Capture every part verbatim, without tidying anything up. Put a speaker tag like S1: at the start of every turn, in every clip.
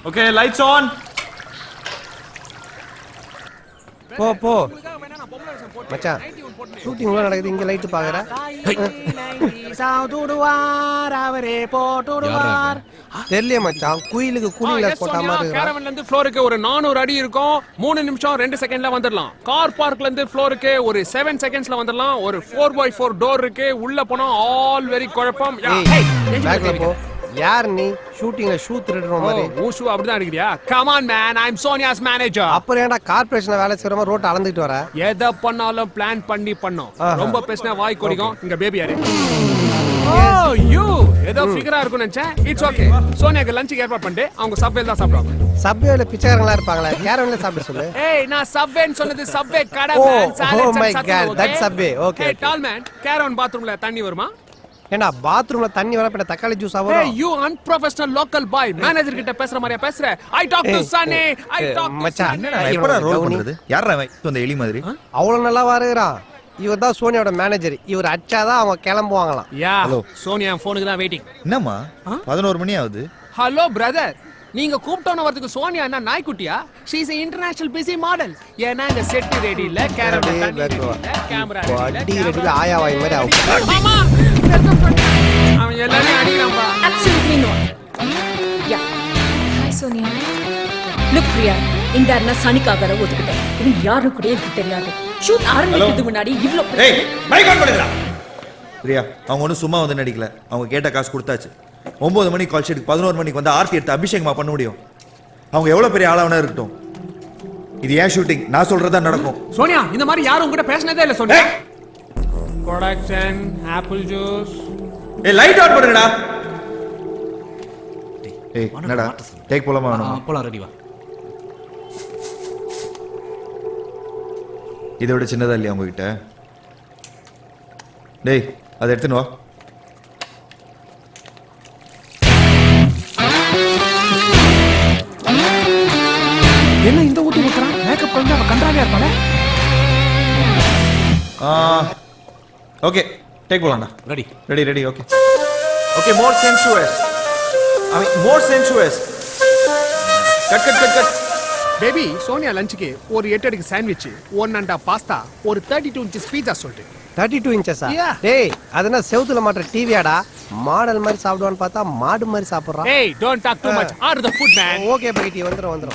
S1: Okay, lights on.
S2: போ போ மச்சான், ஷூட்டிங் உள்ள நடக்குது, இங்க லைட் பாக்குற. தெரியல மச்சான், குயிலுக்கு கூலிங் கிளாஸ் போட்ட மாதிரி இருக்கு.
S3: கேரவன்ல இருந்து ஃப்ளோருக்கு ஒரு நானூறு அடி இருக்கும். மூணு நிமிஷம் ரெண்டு செகண்ட்ல வந்துடலாம். கார் பார்க்ல இருந்து ஃப்ளோருக்கு ஒரு செவன் செகண்ட்ஸ்ல வந்துடலாம். ஒரு ஃபோர் பை ஃபோர் டோர் இருக்கு. உள்ள போனா ஆல் வெரி குழப்பம்.
S2: பேக்ல போ. யார் நீ? ஷூட்டிங்ல ஷூ திருடுற மாதிரி.
S3: ஓ ஷூ அப்படிதான் எடுக்கறியா? Come on man, I am Sonia's manager.
S2: அப்புறம் ஏன்டா கார்ப்பரேஷன்ல வேலை செய்றவங்க ரோட் அளந்துட்டு வர?
S3: எதை பண்ணாலும் பிளான் பண்ணி பண்ணோம். ரொம்ப பேசினா வாய் கொடிக்கும். இங்க பேபி யாரு? ஓ யூ ஏதோ ஃபிகரா இருக்கும் நினைச்சேன். It's okay. சோனியாக்கு லஞ்சுக்கு ஏற்பாடு பண்ணிட்டு அவங்க சப்வேல தான் சாப்பிடுவாங்க.
S2: சப்வேல பிச்சைக்காரங்களா இருப்பாங்களா? கேரவன்ல சாப்பிட சொல்லு.
S3: ஏய் நான் சப்வேன்னு சொன்னது சப்வே கடை
S2: man. Oh my god, that subway. Okay.
S3: ஏய் டால் மேன், கேரவன் பாத்ரூம்ல தண்ணி வருமா?
S2: ஏண்டா பாத்ரூம்ல தண்ணி வர பின்ன தக்காளி ஜூஸ் ஆவோ?
S3: ஏய் you unprofessional local boy, manager கிட்ட பேசுற மாதிரியா பேசுற? I talk to Sani, I talk
S2: மச்சான்.
S4: என்னடா எப்படா ரோல் பண்றது? யாரா இவன்? இந்த எலி மாதிரி
S2: அவ்வளவு நல்லா வாருறான். இவர் தான் சோனியோட மேனேஜர். இவர் அச்சாதான் அவங்க கிளம்புவாங்களாம்.
S3: யா சோனியா போனுக்கு தான் வெயிட்டிங்.
S4: என்னம்மா பதினோரு மணி ஆகுது?
S3: ஹலோ பிரதர், நீங்க கூப்பிட்டோன வரதுக்கு சோனியா என்ன நாய்க்குட்டியா? She is a international busy model. ஏன்னா இந்த செட் ரெடி இல்ல, கேமரா ரெடி இல்ல, கேமரா
S2: ரெடி ரெடி ஆயா வாய் மாதிரி ஆகும்.
S3: மாமா அவன் எல்லாரும் அடிக்கிறான்பா.
S5: Absolutely not. Yeah. Hi Sonia. Look Priya, இந்த அண்ணா சனிக்காக ஒதுக்கிட்டேன். இவன் யாரு கூட எனக்கு தெரியாது. ஷூட் ஆரம்பிக்கிறதுக்கு முன்னாடி இவ்ளோ
S4: ஏய் மைக் ஆன் பண்ணுடா. பிரியா, அவங்க ஒன்னும் சும்மா வந்து நடிக்கல. அவங்க கேட்ட காசு கொடுத்தாச்சு. ஒன்பது மணிக்கு கால் ஷீட் பதினோரு மணிக்கு வந்து ஆர்த்தி எடுத்து அபிஷேகமா பண்ண முடியும். அவங்க எவ்வளவு பெரிய ஆளாவனா இருக்கட்டும். இது ஏன் ஷூட்டிங், நான் சொல்றதா நடக்கும்.
S3: சோனியா இந்த மாதிரி யாரும் உங்ககிட்ட பேசினதே இல்ல சோனியா. Production apple juice.
S4: ஏய் லைட் ஆன் பண்ணுடா. ஏய் என்னடா டேக் போலாமா? வேணும்
S1: போலாம், ரெடி வா.
S4: இதை விட சின்னதா இல்லையா உங்ககிட்ட? டேய் அதை எடுத்துன்னு வா.
S3: என்ன இந்த ஊத்து ஊத்துறான்? மேக்கப் பண்ணி அவ கண்டாவியா இருப்பானே.
S4: ஓகே டேக் போலாம்டா.
S1: Ready
S4: ready ready okay okay. More sensuous, I mean more sensuous. Cut cut cut cut.
S3: Baby Sonia லஞ்சுக்கு ஒரு எட்டு அடிக்கு sandwich, one and half pasta, ஒரு தேர்ட்டி டூ இன்ச்சஸ் பீஸா சொல்லிட்டு.
S2: தேர்ட்டி டூ இன்ச்சஸா? டேய் அதனா செவுத்துல மாட்டற டிவியாடா? மாடல் மாதிரி சாப்பிடுவான்னு பார்த்தா மாடு மாதிரி சாப்பிடுறான்.
S3: ஏய் don't talk too much. Are the food man.
S2: Okay பைட்டி, வந்துரும் வந்துரும்.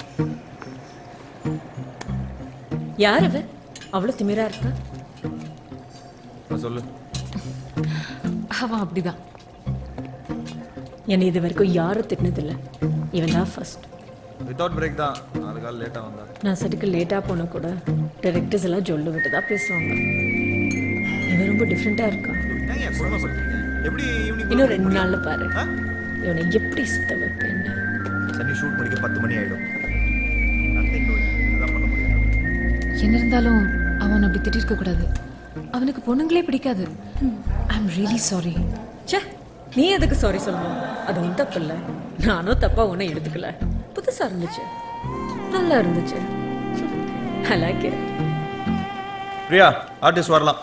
S5: யார் அவ? அவ்வளவு திமிரா இருக்கா?
S4: சொல்லு.
S5: அவன் அப்படிதான். என்னை இது வரைக்கும் யாரும் திட்டினதில்லை. இவன் தான் ஃபர்ஸ்ட்.
S4: வித்தவுட் பிரேக் தான். நாலு கால் லேட்டா வந்தா.
S5: நான் சட்டுக்கு லேட்டா போனா கூட டைரக்டர்ஸ் எல்லாம் ஜொல்லு விட்டு தான் பேசுவாங்க. இவன் ரொம்ப டிஃப்ரெண்டா இருக்கான்.
S4: எப்படி ஈவினிங்
S5: இன்னும் ரெண்டு நாள்ல பாரு இவனை எப்படி சுத்த வைப்பேன்னு.
S4: சனி ஷூட் முடிக்க பத்து மணி ஆயிடும். Nothing doing. அதான் பண்ண முடியும்.
S6: என்ன இருந்தாலும் அவன் அப்படி திட்டிருக்க கூடாது. அவனுக்கு பொண்ணுங்களே பிடிக்காது. I am really sorry.
S5: ச்சே, நீ எதுக்கு சாரி சொல்லணும்? அது உன் தப்பு இல்லை. நானும் தப்பா ஒன்றும் எடுத்துக்கல. புதுசா இருந்துச்சு, நல்லா இருந்துச்சு. I like it.
S4: Priya, artist வரலாம்.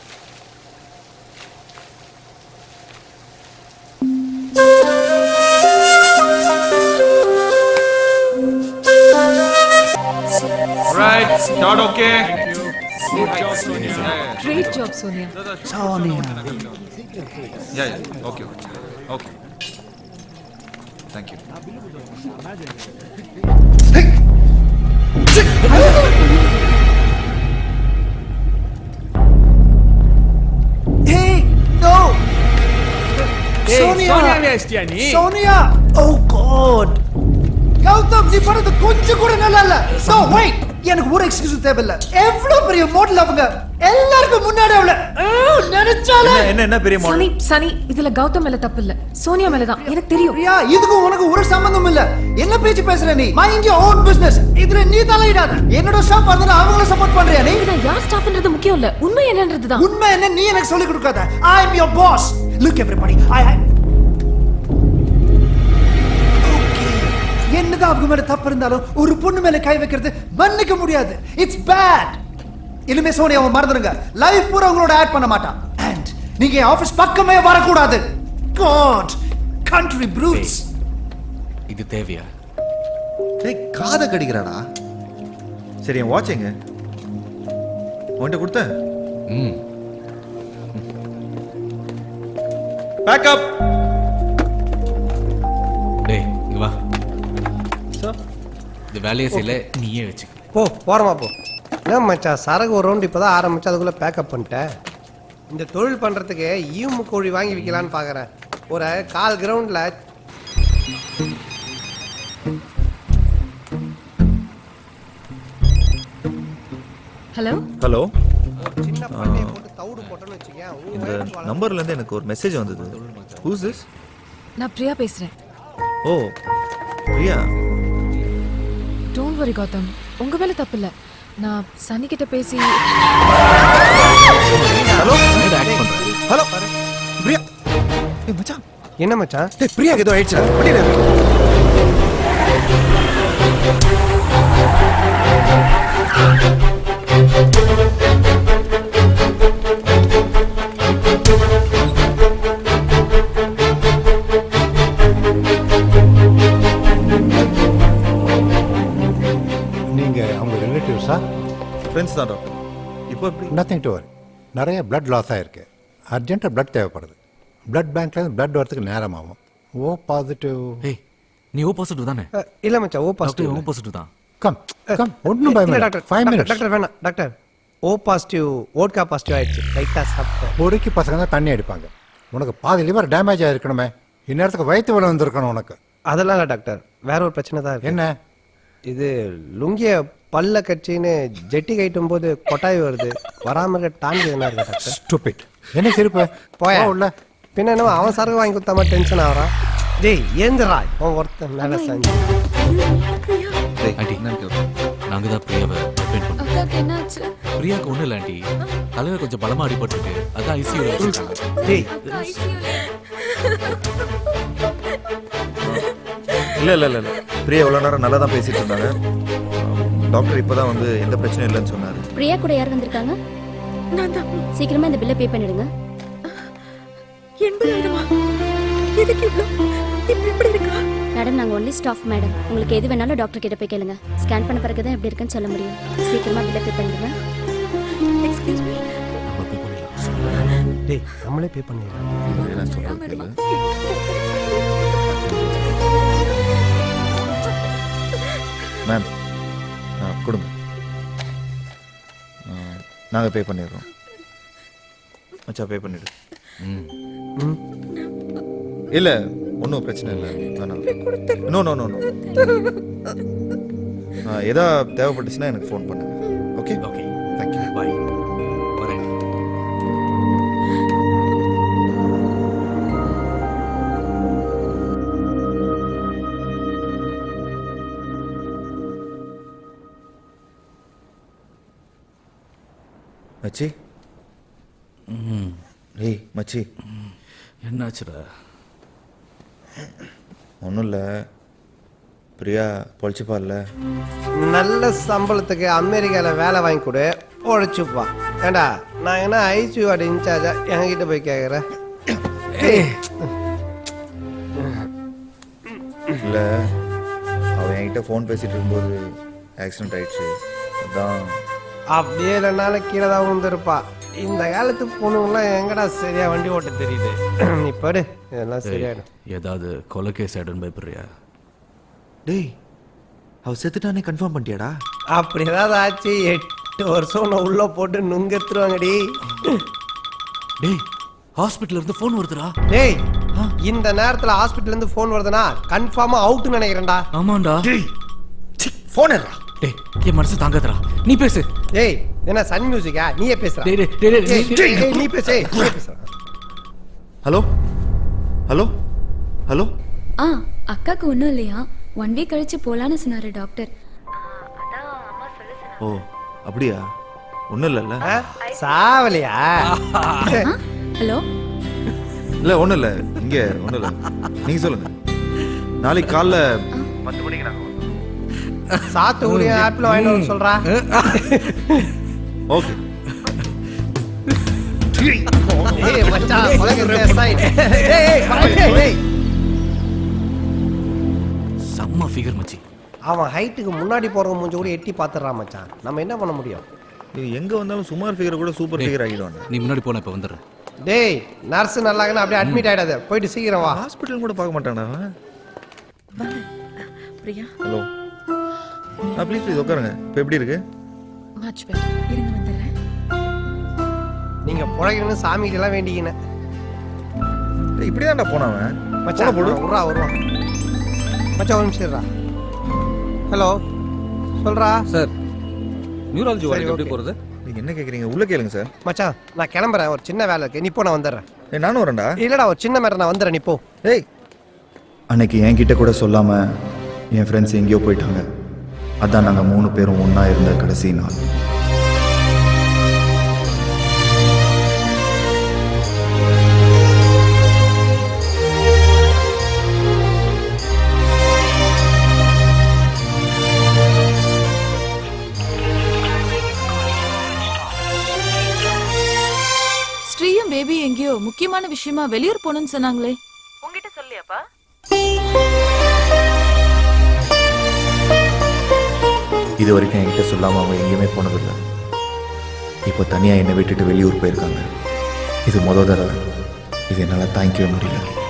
S1: Right, start okay.
S3: Good job Sonia.
S6: Great job Sonia.
S1: Sonia. Yeah, yeah. Okay, okay. Okay. Thank you.
S2: Hey, no.
S3: Hey,
S2: Sonia.
S3: Sonia வேஸ்டியா நீ?
S2: Sonia. Oh God. கௌதம், நீ பண்ணது கொஞ்சம் கூட நல்லா இல்ல. No, wait. எனக்கு ஒரு எக்ஸ்கியூஸ் தேவையில்ல. எவ்வளவு பெரிய மாடல் அவங்க. எல்லாருக்கும் முன்னாடி அவள நினைச்சாலே
S4: என்ன என்ன பெரிய மாடல்?
S6: சனி சனி இதுல கௌதம் மேல தப்பு இல்ல, சோனியா மேல தான். எனக்கு தெரியும்.
S2: பிரியா, இதுக்கு உனக்கு ஒரு சம்பந்தம் இல்ல. என்ன பேச்சு பேசுற நீ? Mind your own business. இதுல நீ தலையிடாத. என்னோட ஸ்டாஃப் வந்தா அவங்கள சப்போர்ட் பண்றியா நீ?
S6: நான் யார் ஸ்டாஃப்ன்றது முக்கியம் இல்ல, உண்மை என்னன்றது தான்.
S2: உண்மை என்ன நீ எனக்கு சொல்லி கொடுக்காத. I am your boss. Look everybody. I என்னதான் அவங்க மேல தப்பு இருந்தாலும் ஒரு பொண்ணு மேல கை வைக்கிறது மன்னிக்க முடியாது. It's bad. இனிமே சோனியாவை மறந்துடுங்க. லைஃப் பூரா உங்களோட ஆட் பண்ண மாட்டான். அண்ட் நீங்க ஆபீஸ் பக்கமே வரக்கூடாது. God, country brutes.
S1: இது தேவையா?
S4: டேய் காதை கடிக்கிறாடா. சரி என் வாட்ச் எங்க? உன்கிட்ட கொடுத்தேன்.
S7: ம்
S4: பேக்கப்.
S7: டேய் இங்க வா.
S2: சார்
S7: இந்த வேலையை செய்யல நீயே வச்சுக்க.
S2: போ போகிறோமா போ. என்ன மச்சான் சரகு ஒரு ரவுண்டு இப்போ தான் ஆரம்பிச்சு அதுக்குள்ளே பேக்கப் பண்ணிட்டேன். இந்த தொழில் பண்ணுறதுக்கு ஈமு கோழி வாங்கி விற்கலான்னு பார்க்குறேன். ஒரு கால் கிரவுண்டில்
S6: ஹலோ
S4: ஹலோ.
S2: சின்ன பண்ணையை போட்டு தவிடு போட்டோன்னு வச்சுக்கேன்.
S4: இந்த நம்பர்ல இருந்து எனக்கு ஒரு மெசேஜ் வந்தது. Who's this?
S6: நான் பிரியா பேசுறேன்.
S4: ஓ பிரியா.
S6: டோன்ட் வரி கௌதம், உங்க மேல தப்பு இல்ல. நான் சனி கிட்ட பேசி
S4: ஹலோ ஹலோ பிரியா. ஏய் மச்சான்.
S2: என்ன மச்சான்?
S4: டேய் பிரியாக்கு ஏதோ ஆயிடுச்சுடா. வண்டியில
S8: நீங்க அவங்க ரிலேட்டிவ்ஸா?
S4: ஃப்ரெண்ட்ஸ் தான் டாக்டர். இப்போ எப்படி?
S8: Nothing to worry. நிறைய பிளட் லாஸ் ஆயிருக்கு. அர்ஜென்ட்டாக பிளட் தேவைப்படுது. பிளட் பேங்க்லேருந்து பிளட் வரதுக்கு நேரம் ஆகும். O positive.
S7: ஏய் நீ ஓ பாசிட்டிவ் தானே?
S2: இல்லை மச்சான் O
S7: doctor
S2: positive.
S7: O positive தான்.
S8: கம் கம் ஒன்றும்
S2: இல்லை
S8: பயம்
S2: டாக்டர்.
S8: Five minutes.
S2: டாக்டர் வேணாம் doctor. O positive vodka positive ஆயிடுச்சு. லைட்டாக சாப்பிட்டேன்.
S8: பொறுக்கி பசங்க தான் தண்ணி அடிப்பாங்க. உனக்கு பாதி லிவர் டேமேஜ் ஆகிருக்கணுமே. இந்நேரத்துக்கு வயிற்று வலி வந்திருக்கணும் உனக்கு.
S2: அதெல்லாம் இல்லை டாக்டர். வேற ஒரு பிரச்சனை தான் இருக்கு.
S8: என்ன?
S2: இது லுங்கிய பல்ல கட்சின்னு ஜெட்டி கட்டும் போது கொட்டாய் வருது. வராம இருக்க டான்ஸ் என்ன இருக்கு டாக்டர்?
S8: ஸ்டூபிட். என்ன சிரிப்பு?
S2: போயா
S8: உள்ள.
S2: பின்ன என்ன அவன் சரக்கு வாங்கி கொடுத்தா மாதிரி டென்ஷன் ஆகிறான். டேய் ஏந்திரா. அவன் ஒருத்தன் மேலே செஞ்சு
S4: டேய்
S7: ஆண்டி.
S4: என்னன்னு கேளு.
S7: நாங்க தான் பிரியாவை அட்மிட் பண்ணோம்.
S6: அக்காக்கு என்னாச்சு?
S7: பிரியாக்கு ஒண்ணும் இல்லை ஆண்டி. தலையில கொஞ்சம் பலமா அடிபட்டிருக்கு. அதான் ஐசியூல வச்சிருக்காங்க.
S2: டேய்
S4: இல்ல இல்ல இல்ல இல்ல. பிரியா இவ்வளவு நேரம் நல்லா தான் பேசிட்டு இருந்தாங்க. டாக்டர் இப்பதான் வந்து எந்த பிரச்சனையும் இல்லைன்னு சொன்னாரு.
S9: பிரியா கூட யார் வந்திருக்காங்க?
S5: நான் தான்.
S9: சீக்கிரமா இந்த பில்லை பே பண்ணிடுங்க.
S5: எண்பதாயிரமா? எதுக்கு இவ்வளோ? இப்ப எப்படி இருக்கா?
S9: மேடம் நாங்க ஒன்லி ஸ்டாஃப் மேடம். உங்களுக்கு எது வேணாலும் டாக்டர் கிட்ட போய் கேளுங்க. ஸ்கேன் பண்ண பிறகு தான் எப்படி இருக்குன்னு சொல்ல முடியும். சீக்கிரமா பில்லை பே பண்ணிடுங்க.
S5: Excuse me.
S7: நம்ம போய் பண்ணிடலாம்.
S2: டேய் நம்மளே பே பண்ணிடலாம்.
S4: நான் சொல்றது கேளு. மேம் கொடுங்க. நாங்கள் பே பண்ணிடுறோம். மச்சா பே பண்ணிடு.
S7: ம்
S4: இல்லை ஒன்றும் பிரச்சனை இல்லை. வேணாம். No no no no. எதா தேவைப்பட்டுச்சுன்னா எனக்கு ஃபோன் பண்ணுங்க. Okay
S7: okay
S4: thank you.
S7: பாய். வரேன்.
S4: மச்சி.
S7: ம்
S4: ஏய் மச்சி.
S7: என்னாச்சுடா?
S4: ஒன்றும் இல்லை. பிரியா பொழைச்சிப்பா இல்லை?
S2: நல்ல சம்பளத்துக்கு அமெரிக்காவில் வேலை வாங்கி கொடு, உழைச்சுப்பா. ஏண்டா நான் என்ன ஐசியூ வார்டு இன்சார்ஜா என்கிட்ட போய் கேட்குறேன்?
S4: இல்லை அவன் என்கிட்ட ஃபோன் பேசிட்டு இருக்கும்போது ஆக்சிடென்ட் ஆயிடுச்சு. அதான்.
S2: அப்படியே இல்லைனாலும் கீழே தான் விழுந்திருப்பா. இந்த காலத்து பொண்ணுங்களாம் எங்கடா சரியா வண்டி ஓட்ட தெரியுது. நீ படு, இதெல்லாம் சரியாயிடும்.
S7: ஏதாவது கொலை கேஸ் ஆயிடுன்னு பயப்படுறியா?
S4: டேய் அவ செத்துட்டானே கன்ஃபார்ம் பண்ணிட்டியாடா?
S2: அப்படி ஏதாவது ஆச்சு எட்டு வருஷம் நான் உள்ள போட்டு நுங்க எடுத்துருவாங்கடி.
S7: டேய் ஹாஸ்பிட்டல்ல இருந்து ஃபோன் வருதுடா.
S2: டேய் இந்த நேரத்துல ஹாஸ்பிட்டல்ல இருந்து ஃபோன் வருதுன்னா கன்ஃபார்மா அவுட்னு நினைக்கிறேன்டா.
S7: ஆமாண்டா.
S4: ஃபோன் ஏறா.
S7: டேய் என் மனசு தாங்காதடா. நீ பேசு.
S2: டேய் என்ன சன் மியூசிக்கா? நீயே பேசுற.
S7: டேய் டேய் டேய்
S2: டேய்,
S7: டேய்
S2: டேய், டேய், நீ பேசு. நீயே பேசுற.
S4: Hello hello hello.
S9: ஆ அக்காக்கு ஒன்றும் இல்லையா? ஒன் வீக் கழிச்சு போலான்னு சொன்னாரு டாக்டர்.
S4: ஓ அப்படியா? ஒன்றும் இல்லைல்ல?
S2: ஆ? சாவலியா?
S9: ஹலோ.
S4: இல்லை ஒன்றும் இல்லை. இங்கே ஒன்றும் இல்லை. நீங்கள் சொல்லுங்கள். நாளைக்கு காலைல பத்து மணிக்கு நாங்கள்
S2: சாத்துக்குடி ஆப்பிள் வாங்கிட்டு வர சொல்றா.
S4: ஓகே.
S2: ஏய் மச்சான் உலக ரேஸ் ஆயிடு. டேய் டேய் டேய்.
S7: செம்ம ஃபிகர் மச்சி.
S2: அவன் ஹைட்டுக்கு முன்னாடி போறவங்க மூஞ்சி கூட எட்டி பார்த்துடுறான் மச்சான். நம்ம என்ன பண்ண முடியும்?
S4: இது எங்க வந்தாலும் சுமார் ஃபிகர் கூட சூப்பர் ஃபிகர் ஆகிடுவாங்க.
S7: நீ முன்னாடி போன இப்போ வந்துடுறேன்.
S2: டேய் நர்ஸ் நல்லாங்கன்னா அப்படியே அட்மிட் ஆயிடாத, போயிட்டு சீக்கிரம் வா.
S4: ஹாஸ்பிட்டல் கூட பார்க்க மாட்டானா அவன்?
S5: பிரியா
S4: ஹலோ ஆ ப்ளீஸ் ப்ளீஸ் உட்காருங்க. இப்போ எப்படி இருக்கு?
S6: Much better.
S5: இருங்க வந்துடுறேன்.
S2: நீங்க புழைக்கணும்னு சாமிகிட்ட எல்லாம் வேண்டிக்கினேன்.
S4: இப்படி தான்டா போனவன்.
S2: மச்சான் போடு விட்றா வருவான். மச்சான் ஒரு நிமிஷம் இருடா. ஹலோ சொல்றா
S7: சார் நியூராலஜி
S2: சரி,
S7: வார்டுக்கு எப்படி
S2: okay.
S7: போகிறது?
S4: நீங்க என்ன கேக்குறீங்க? உள்ள கேளுங்க சார்.
S2: மச்சான் நான் கிளம்புறேன், ஒரு சின்ன வேலை இருக்கு, நீ போ, நான் வந்துடுறேன்.
S4: ஏய் நானும் வரேன்டா.
S2: இல்லடா ஒரு சின்ன மேடம், நான் வந்துடுறேன், நீ போ.
S4: ஏய்
S10: அன்னைக்கு என்கிட்ட கூட சொல்லாம என் ஃப்ரெண்ட்ஸ் எங்கேயோ போயிட்டாங்க. அதான் நாங்கள் மூணு பேரும் ஒன்றா இருந்த கடைசி நாள்.
S6: ஸ்ரீயும் பேபி எங்கேயோ முக்கியமான விஷயமா வெளியூர் போகணும்னு சொன்னாங்களே, உங்ககிட்ட சொல்லியாப்பா?
S10: இது வரைக்கும் என்கிட்ட சொல்லாமல் அவங்க எங்கேயுமே போனதில்லை. இப்போ தனியாக என்னை விட்டுட்டு வெளியூர் போயிருக்காங்க. இது மொதல் தடவை. இது என்னால் தாங்கிக்கவே முடியல.